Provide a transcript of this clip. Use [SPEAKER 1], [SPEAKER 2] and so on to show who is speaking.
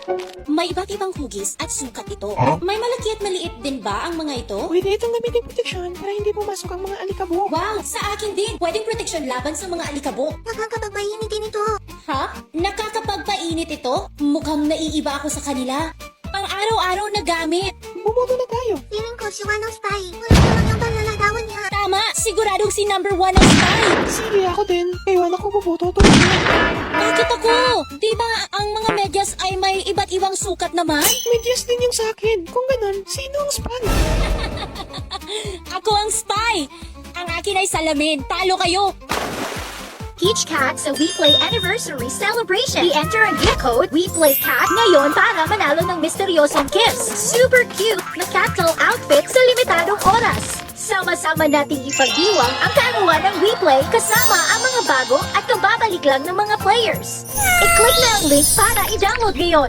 [SPEAKER 1] May iba't ibang hugis at sukat ito. May malaki at maliit din ba ang mga ito?
[SPEAKER 2] Pwede itong gamitin proteksyon para hindi pumasok ang mga alikabok.
[SPEAKER 1] Wow, sa akin din. Pwedeng proteksyon laban sa mga alikabok.
[SPEAKER 3] Nakakapagpainit din ito.
[SPEAKER 1] Ha? Nakakapagpainit ito? Mukhang naiiba ako sa kanila. Pang araw-araw na gamit.
[SPEAKER 2] Bumoto na tayo.
[SPEAKER 3] Feeling ko si One of Spy. Wala naman yung panlalagawan niya.
[SPEAKER 1] Tama, siguradong si number 1 ang spy.
[SPEAKER 2] Sige ako din. Ewan ako bumoto. Tulad na.
[SPEAKER 1] Bakit ako? Di ba ang mga medyas ay may iba't ibang sukat naman?
[SPEAKER 2] Medyas din yung sa akin. Kung ganun, sino ang spy?
[SPEAKER 1] Ako ang spy. Ang akin ay salamin. Talo kayo.
[SPEAKER 4] Peach Cat sa WePlay Anniversary Celebration. I-enter ang gift code WePlayCat ngayon para manalo ng misteryosong gifts. Super cute na cat doll outfit sa limitadong oras. Sama-sama nating ipagdiwang ang kaalawan ng WePlay kasama ang mga bago at kababalik lang ng mga players. I-click na ang link para i-download ngayon.